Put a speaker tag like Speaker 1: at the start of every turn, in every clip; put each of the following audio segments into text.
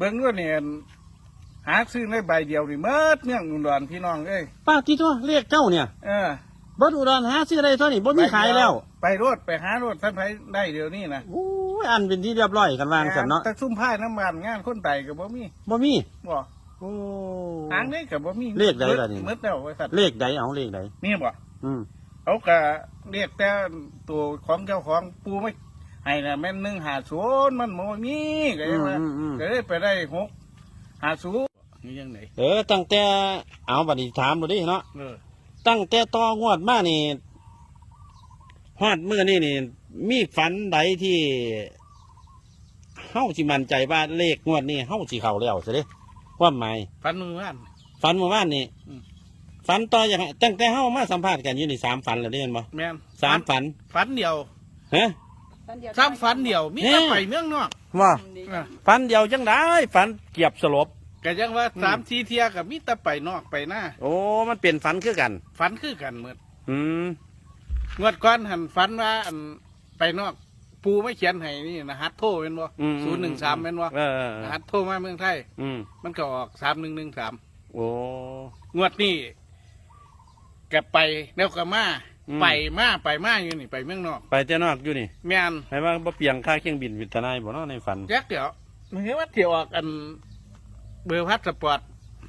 Speaker 1: เบิ่งด้วยเนี่ยหาซื้อในใบเดียวนี่เมื่อเนี่ยอุดรพี่น้องเอ้ย
Speaker 2: ป้าที่ตัวเลขเจ้าเนี่ยบดอุดรหาซื้อได้เท่านี้บ่มีขายแล้ว
Speaker 1: ไปรถไปหารถท่านไปได้เดี๋ยวนี้นะ
Speaker 2: โอ้ยอันเป็นที่เรียบร้อยกันวางสันเนาะ
Speaker 1: แต่ซุ่มผ้าน้ำมันงานคนไต่กับบ่มีบ่
Speaker 2: โอ้
Speaker 1: ทางนี้กับบ่มี
Speaker 2: เลขใดล่ะนี่
Speaker 1: มืดแล้วไว้สัตว์
Speaker 2: เลขใดเอาเลขใด
Speaker 1: นี่บ่เขาก็เรียกแต่ตัวของเจ้าของปูไม่ให้น่ะแม่น150มันบ่มีก็ยังว่าก็เลยไปได้650นี่ยังไง
Speaker 2: ตั้งแต่เอาบัดนี้ถามดูดิเนาะตั้งแต่ต่องวดมานี่ฮอดมื้อนี้นี่มีฝันใดที่เฮาสิมั่นใจว่าเลขงวดนี้เฮาสิเข้าแล้วสิเด้ความหมาย
Speaker 1: ฝันเมื่อว
Speaker 2: านนี่ฝันต่ออย่างตั้งแต่เฮามาสัมภาษณ์กันอยู่นี่3ฝันแล้วเด้แม่นบ่
Speaker 1: แม่น
Speaker 2: 3ฝัน
Speaker 1: เดียว
Speaker 2: ฮะ
Speaker 1: 3ฝันเดียวมีแต่ไปเมืองนอก
Speaker 2: ว่าฝันเดียวจังได๋ฝันเกียบสลบ
Speaker 1: ก็ยังว่า3-4เที่ยก็มีแต่ไปนอกไปหน้า
Speaker 2: โอ้มันเปลี่ยนฝันคือกัน
Speaker 1: เหมือนงวดก่อนหันฝันว่าอันไปนอกปูไม่เขียนให้นี่นะฮัทโทเป็นบ่013เป็นบ่ฮัทโทมาเมืองไทยมันก็ออก3113
Speaker 2: โอ้
Speaker 1: งวดนี้แกไปแล้วก็มาไปอยู่นี่ไปเมืองนอก
Speaker 2: ไปแต่นอกอยู่นี่
Speaker 1: แม่น
Speaker 2: ให้ว่าบ่เปลี่ยนค่าเครื่องบินวิทนายบ่เนาะในฝัน
Speaker 1: แจ๊กเดี๋ยวมันเห็นว่าเที่ยวออกอันเบอร์พัดสปอร์ต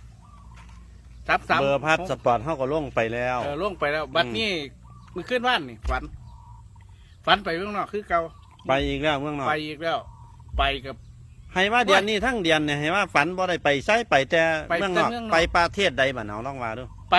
Speaker 2: เบอร์พัดสปอร์ตเฮาก็ลงไปแล้ว
Speaker 1: ลงไปแล้วบัดนี้มื้อคืนว่านนี่ฝันไปเมืองนอกคือเก่า
Speaker 2: ไปอีกแล้วเมืองนอก
Speaker 1: ไปอีกแล้วไปกับ
Speaker 2: ให้ว่าเดือนนี้ทั้งเดือนเนี่ยให้ว่าฝันบ่ได้ไปไสไปแต่เมืองนอกไปประเทศใดบ้านเฮาลองว่าดู
Speaker 1: ไป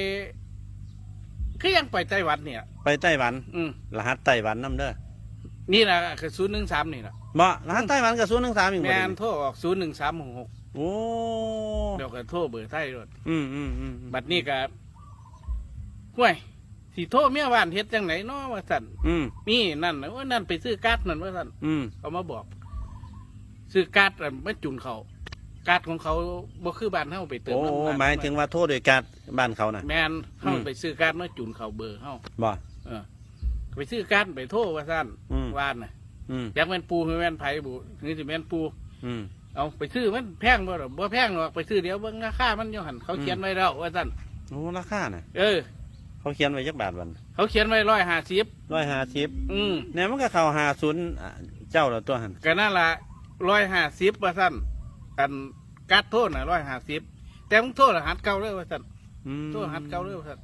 Speaker 1: คือยังไปไต้หวันเนี่ย
Speaker 2: ไปไต้หวันรหัสไต้หวันนำเด้อ
Speaker 1: นี่ล่ะคือ013นี่ล่ะ
Speaker 2: บ่รหัสไต้หวันก็013อีกบ่
Speaker 1: แม่นโทรออก01366
Speaker 2: โอ้
Speaker 1: เดี๋ยวก็โทรเบอร์ไทยรถบัดนี้ก็ห้วยสิโทรเมียบ้านเฮ็ดจังไหนเนาะว่าซั่นมีนั่นว่านั่นไปซื้อการ์ดนั่นว่าซั่นเขามาบอกซื้อการ์ดมาจุนเขาการ์ดของเขาบ่คือบ้านเฮาไปเติมน้ำมัน
Speaker 2: หมายถึงว่าโทรด้วยการ์ดบ้านเขาน่ะ
Speaker 1: แม่นเฮาไปซื้อการ์ดมาจุนเขาเบอร์เฮา
Speaker 2: บ่
Speaker 1: ไปซื้อการ์ดไปโทรว่าซั่นว่านน่ะอยากแม่นปูคือแม่นไผบุนี่สิแม่นปูเอาไปซื้อมันแพงบ่หรอบ่แพงหรอกไปซื้อเดี๋ยวเบิ่งราคามันอยู่หั่นเขาเขียนไว้แล้วว่าซั่น
Speaker 2: โอ้ราคาน่ะเขาเขียนไว้จักบาทวัน
Speaker 1: เขาเขียนไว้
Speaker 2: 150เนี่ยมันก็เข้า50เจ้าแล้วตัวหั่น
Speaker 1: ก็นั่นล่ะ150ว่าซั่นอันการ์ดโทษน่ะ150แต่มึงโทษรหัสเก่าเลยว่าซั่นโทษรหัสเก่าเลยว่าซั่น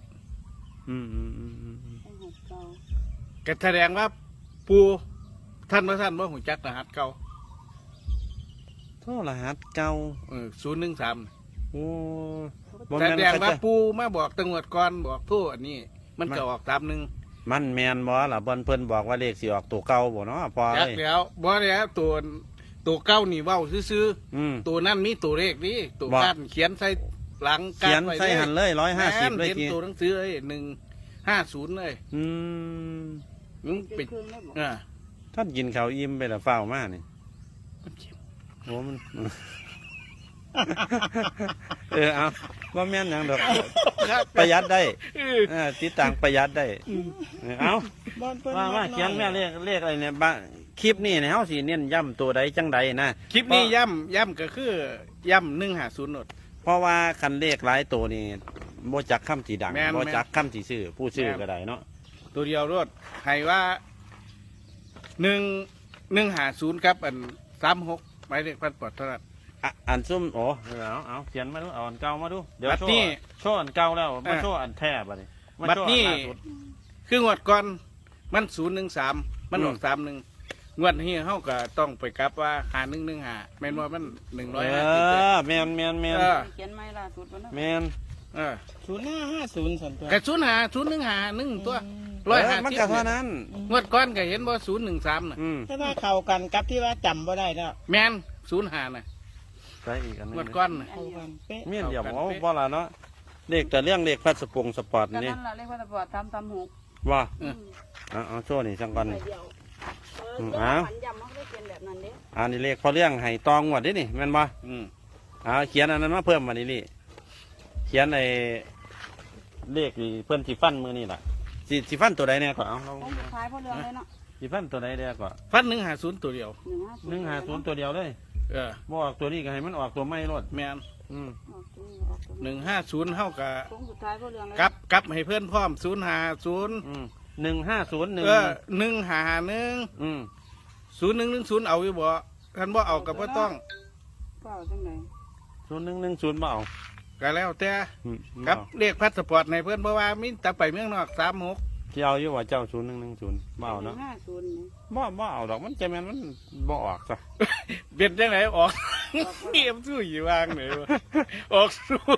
Speaker 1: ก็แสดงว่าปูท่านว่าท่านบ่ฮู้จักรหัสเก่า
Speaker 2: โทษรหัสเก่า
Speaker 1: 013โอ้แสดงว่าปูมาบอกตำรวจก่อนบอกโทษอันนี้มันก็ออก31
Speaker 2: มันแม่นบ่ล่ะเพิ่นบอกว่าเลขสิออกตัวเก่าบ่เนาะพอเลย
Speaker 1: แล้วบ่แล้วตัวเก่านี่เว้าซื่อๆตัวนั้นมีตัวเลขนี่ตัวการเขียนใส่หลัง
Speaker 2: การไว้ใส่หันเลย150เลย
Speaker 1: ทีตัวหนังสือเลย150เลยมึงไป
Speaker 2: ท่านกินข้าวอิ่มไปแล้วฟ้าวมานี่โอ้มันเอาว่าแม่นหยังดอกประหยัดได้ติดต่างประหยัดได้เอาว่าเขียนแม่เลขอะไรเนี่ยคลิปนี้เนี่ยเฮาสิเน้นย้ำตัวใดจังใดนะ
Speaker 1: คลิปนี้ย้ำก็คือย้ำ150หนด
Speaker 2: เพราะว่าคันเลขหลายตัวนี่บ่จักคำสีดังบ่จักคำสีชื่อผู้ชื่อก็ได้เนาะ
Speaker 1: ตัวเดียวรถให้ว่า150ครับอัน36หมายเลขพันปอดเท่านั้น
Speaker 2: อันซุ่มเอาเขียนมาดูเอาอันเก่ามาดูเดี๋ยวโชว์อันเก่าแล้วมาโชว์อันแท้บัดนี้
Speaker 1: บัดนี้คืองวดก่อนมัน013มันออก31งวดนี้เฮาก็ต้องไปกลับว่า5115แม่นว่ามัน150
Speaker 2: แม่น
Speaker 3: เขียนไม้ล่าสุดบ่เนาะ
Speaker 2: แม่น
Speaker 1: 0550ซั่นตัวก็051ตัว150
Speaker 2: มันก็เท่านั้น
Speaker 1: งวดก่อนก็เห็นบ่013น่ะ
Speaker 3: แต่ว่าเข้ากันกับที่ว่าจำบ่ได้แล้ว
Speaker 1: แม่น05น่ะ
Speaker 2: ใช่อีกอันนึง
Speaker 1: งวดก่อน
Speaker 2: เมียนเดี๋ยวบ่ล่ะเนาะเลขแต่เรื่องเลขพัดสปงสปอร์ตนี่
Speaker 3: นั่นล่ะเลขพัดสปอร์ต336
Speaker 2: ว่าเอาโชว์นี่จังก่อนอันนี้เลขเขาเรื่องให้ตองหมดดินี่แม่นบ่เขียนอันนั้นมาเพิ่มมานี่เขียนในเลขนี่เพิ่นสิฟันมือนี่แหละสิฟันตัวใดเนี่ยก่อนเอา
Speaker 3: ขายพอเรื่องเลยเนาะ
Speaker 2: สิฟันตัวใดเดียวก่อน
Speaker 1: ฟัน150ตัวเดียว
Speaker 2: 150ตัวเดียวเลยบ่ออกตัวนี้ก็ให้มันออกตัวไม่รถ
Speaker 1: แม่น
Speaker 3: ออกตัวนี้ออกตัวนี้
Speaker 1: 150เฮากับ
Speaker 3: โค้งสุดท้ายก็เรื่องเลย
Speaker 1: กลับให้เพื่อนพร้อม050
Speaker 2: 1501
Speaker 1: 151 0110เอาอยู่บ่คันบ่เอาก็บ่ต้อง
Speaker 3: เปล่าจังไหน
Speaker 2: 0110บ่เอา
Speaker 1: ก็แล้วแต่
Speaker 2: อืม
Speaker 1: กับเลขพาสปอร์ตในเพื่อนเพราะว่ามีแต่ไปเมืองนอก36
Speaker 2: ที่เอาอยู่ว่าเจ้า0110บ่เอาเนาะ
Speaker 3: 50นี่
Speaker 2: บ่เอาดอกมันจะแม่นมันบ่ออกซะ
Speaker 1: เป็นจังไหนออกเงียบสู้อยู่วางไหนวะออก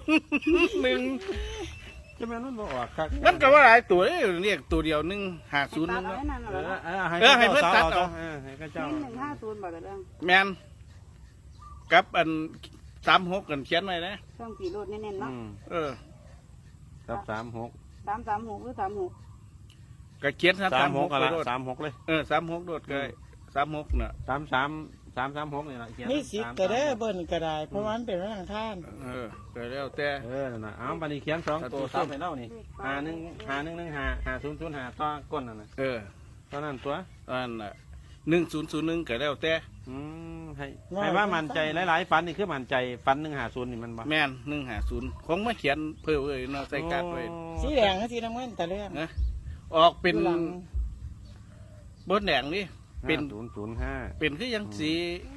Speaker 1: 01
Speaker 2: จะแม่นมันบ่ออกคัก
Speaker 1: มันก็ว่าหลายตัวเรียกตัวเดียว150
Speaker 3: ให้
Speaker 1: นึ
Speaker 3: ตัด
Speaker 1: ง
Speaker 3: เอา
Speaker 1: เนาะ
Speaker 3: ไว้นั่นน่ะเหรอ
Speaker 1: ให้เพิ่นตัดเอา
Speaker 2: ให้เขาเจ้า
Speaker 3: นี่150บาทละเรื่อง
Speaker 1: แมนกับอัน36กันเขียนไว้นะ
Speaker 3: ช่องกี่โลดเน้นๆเนาะ
Speaker 2: กับ36
Speaker 3: 336หรือ36
Speaker 1: ก็เขียน36
Speaker 2: ก็
Speaker 1: ไป
Speaker 2: ละ
Speaker 1: โดด
Speaker 2: 36เลย
Speaker 1: 36โดดก็ได้36น่ะ
Speaker 2: 336นี่ล่ะเขียน
Speaker 3: นี่สิก็ได้เบิ่นก็ได้เพราะว่ามันเป็นวันอังคาร
Speaker 1: ก็แล้วแต่
Speaker 2: นั่นน่ะเอาบัดนี้เขียน2ตัวซับให้เรานี่51515005ต่อก้นนั่นน่ะเท่านั้นตัว
Speaker 1: อันน่ะ1001ก็แล้วแต่
Speaker 2: ให้ว่ามั่นใจหลายๆฝันนี่คือมั่นใจฝัน150นี่มันบ่
Speaker 1: แม่น150คงมาเขียนเพิ่มเลยเนาะใส่การ์ดไว้
Speaker 3: สีแดงกับสีน้ำเงินแต่เรื่อง
Speaker 1: นะออกเป็น
Speaker 3: หลัง
Speaker 1: บนแดงนี่เป็น
Speaker 2: 5005
Speaker 1: เป็นคือยังสี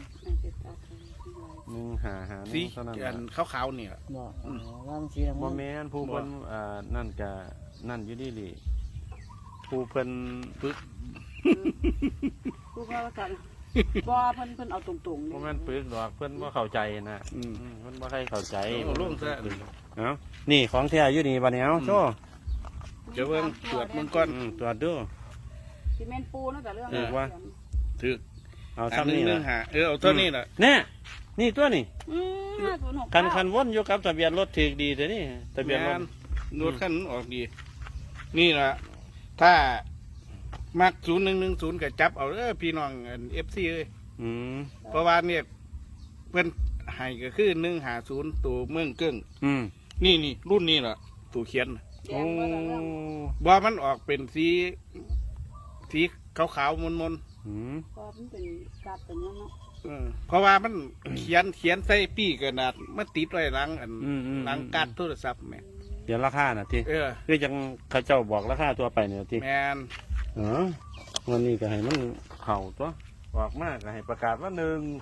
Speaker 2: 155
Speaker 1: สี
Speaker 2: เท่านั้น
Speaker 1: อันขาวๆเนี่ย
Speaker 3: บอกว่ามันสีน้ำ
Speaker 2: บ่
Speaker 3: เงิน
Speaker 2: แม่นผู้เพิ่นนั่นก็นั่นอยู่ดีดิผู้เพิ่น
Speaker 1: ปึ๊ก
Speaker 3: กูก็ว่ากันบ่เพิ่นเอาตรงๆ
Speaker 2: บ่แม่นปึกดอกเพิ่นบ่เข้าใจนะเพิ่นบ่ใครเข้าใจ
Speaker 1: เอาลงซะ
Speaker 2: เอ้านี่ของแท้อยู่นี่บัดนี้เอ้าโชว์
Speaker 1: เดี๋ยวเบิ่งตรวจมึงก่อน
Speaker 2: ตรวจดู
Speaker 3: ซีเมนต์ปูเนาะแต่เรื่อง
Speaker 2: ถูกว่า
Speaker 1: ถือ
Speaker 2: เอา
Speaker 1: อัน
Speaker 2: ซ้ำนี่
Speaker 1: นึ
Speaker 2: ล่ะ
Speaker 1: งหาเอาเท่านี้แหละ
Speaker 2: แน่นี่ตัวนี่
Speaker 3: 506
Speaker 2: คันวนอยู่กับทะเบียนรถถูกดีแต่นี่ทะเบียนรถ
Speaker 1: รถขั้นออกดี นี่ล่ะถ้ามัก0110ก็จับเอาพี่น้องFC เลย
Speaker 2: อืม
Speaker 1: เพราะว่าเนี่ยเพิ่นให้ก็คือ150ตัวเมืองเกิ้ง นี่รุ่นนี้ล่ะตัวเขียน
Speaker 3: แดงบ่แต่เรื่อง
Speaker 1: บ่มันออกเป็นสีขาวๆมน
Speaker 2: อืม
Speaker 3: ก็มันเป็นกัดเป็นนั่นเนาะ
Speaker 1: ๆเพราะว่ามันเขียนใส่ปี้กระดาษมันติดไว้หลังหลังการโทรศัพท์แม่
Speaker 2: เดี๋ยวราคาน่ะติ
Speaker 1: เออ
Speaker 2: คือจังเขาเจ้าบอกราคาตัวไปเนี่ยติ
Speaker 1: แม่น
Speaker 2: วันนี้ก็ให้มันเข่าตัวออกมากก็ให้ประกาศว่า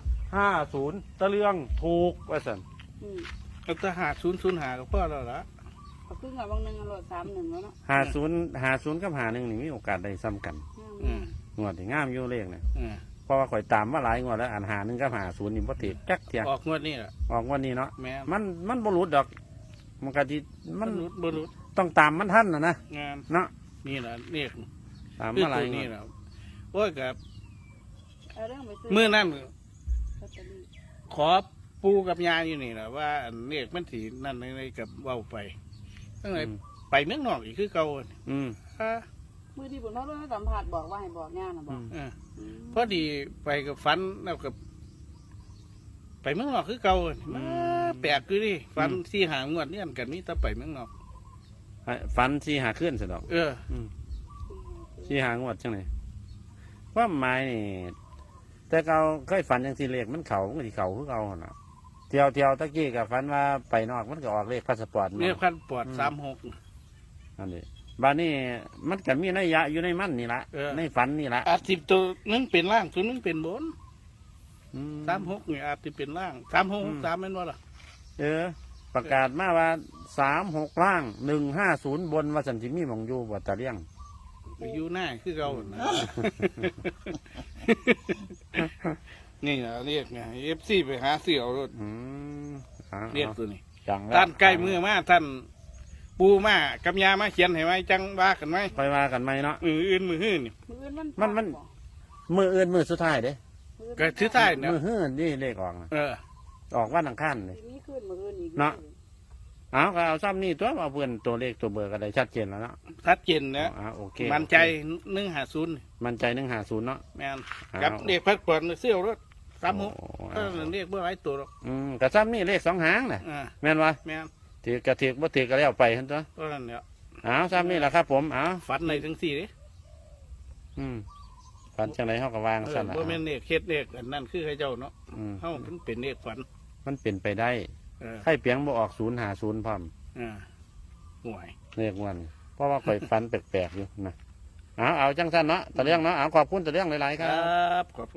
Speaker 2: 150ตะเลืองถูกว่าซั่น
Speaker 1: เอาแต่5005ก็พอแล้วล่ะ
Speaker 3: เอาขึ้นกับบางนึงอร่อย31แล้วเนาะ
Speaker 2: 50กับ51นี่มีโอกาสได้ซ้ำกัน งวดที่งามอยู่เลขนะ
Speaker 1: อืม
Speaker 2: เพราะว่าข่อยตามมาหลายงวดแล้วอ่าน51กับ50นี่บ่ติดจักเที่ย
Speaker 1: ออกงวดนี้ล่ะ
Speaker 2: ออกงวันนี้เนาะ
Speaker 1: แม่น
Speaker 2: มันบ่หลุดดอก มันก็สิมัน
Speaker 1: บ่รู้
Speaker 2: ต้องตามมันทันนะ
Speaker 1: งาน
Speaker 2: เนาะ
Speaker 1: นี่ล่ะเรียก
Speaker 2: ตาม
Speaker 1: คือ
Speaker 2: มาหลา
Speaker 1: ตั
Speaker 2: ยว งว
Speaker 1: นี้
Speaker 2: ด
Speaker 1: ล่ะโอ้ยกับ
Speaker 3: เอาเรื่องไปซื้อ
Speaker 1: มื้อนั้น
Speaker 3: ลอตเตอรี่
Speaker 1: ขอปูกับยาอยู่นี่ล่ะว่าอันเรียกมันสินั่นในกับเว้าไปตั้งแต่ไปเมืองนอกอีกคือเก่า
Speaker 2: อืม
Speaker 3: มือที่บุญพ่อรุ่นสัมผัสบอกว่าให้บอกงานนะบอก
Speaker 1: พอดีไปกับฝันแล้วกับไปเมืองนอกคือเก่ามาแปลกคือดิฝันที่หางวดเนี่ยกันมีแต่ไปเมืองนอก
Speaker 2: ฝันสิหาขึ้นซะดอก สิหางวดจังได๋ว่าหมายนี่แต่เก่าเคยฝันจังซี่เลขมันเข้ามันก็สิเข้าคือเก่าหั่นน่ะเที่ยวตะกี้ก็ฝันว่าไปนอกมันก็ออกเลขพาสปอร์ต
Speaker 1: เรียกขั้นปอด36
Speaker 2: อันนี้บ้านนี้มันก็มีนัยยะอยู่ในมันนี่ละในฝันนี่ละ
Speaker 1: อาจสิบตัวนึงเป็นล่างตัวนึงเป็นบน
Speaker 2: อืม
Speaker 1: 36นี่อาจจะเป็นล่าง3663แม่นบ่ล่ะ
Speaker 2: ประกาศมาว่า36ล่าง150บนว่าสันติมีหมองอยู่บ่ตะเลี่ยง
Speaker 1: อยู่หน้าคือเก่านะ นี่นะเรียกไง FC ไปหาเสี่ยวรถ เรียกตัวนี้
Speaker 2: จัง
Speaker 1: ท่านใกล้มือมาท่านปูมากับยามาเขียนให้ไหมจังว่ากันไหม
Speaker 2: ค่อยว่ากันไหมเนาะ
Speaker 1: มืออื่นมือหื้นนี่
Speaker 3: มืออื่น
Speaker 2: มัน มืออื่นมือสุดท้ายเด้
Speaker 1: ก็ถือท้ายเนี่ย
Speaker 2: มือหื้นนี่เลขออกนะ ออกวันอังคารเลย
Speaker 3: มีขึ้นมืออื่นอีก
Speaker 2: เนาะ เอาก็เอาซ้ำนี่ตัวเอาเพื่อนตัวเลขตัวเบอร์ก็ได้ชัดเจนแล้วเนาะ
Speaker 1: ชัดเจนนะ
Speaker 2: โอเค
Speaker 1: มันใจ150
Speaker 2: มันใจ150เนาะ
Speaker 1: แม่นกับเด็กพักผ่อนเสี่ยวรถ36ก็เรียกเบื่อหลายตัวหรอก
Speaker 2: ก็ซ้ำนี่เลข2หางน่ะแม่นวะ
Speaker 1: แม่น
Speaker 2: ถือกระถือบ่ถือก็แล้วไปหั่นตัว
Speaker 1: ก็นั่นเนี่ย
Speaker 2: เอาซ้ำนี่แหละครับผมเอา
Speaker 1: ฝันในทั้งสี่ดิ
Speaker 2: อืมฝันจังไรเฮาก็วางซั่นน่ะ
Speaker 1: บ่แม่นเลขเฮ็ดเลขอันนั้นคือให้เจ้าเนาะ
Speaker 2: อืม
Speaker 1: เฮามันเป็นเลขฝัน
Speaker 2: มันเป็นไปได้
Speaker 1: ใคร
Speaker 2: ไข่เปียงบ่ออก050พร้อม
Speaker 1: ห่วย
Speaker 2: เลขวันเพราะว่าข่อยฝันแปลกๆอยู่นะเอาจังซั่นเนาะตะเรื่องเนาะเอาขอบคุณตะเรื่องหลายๆค
Speaker 1: ค
Speaker 2: รั
Speaker 1: รับ บขอบ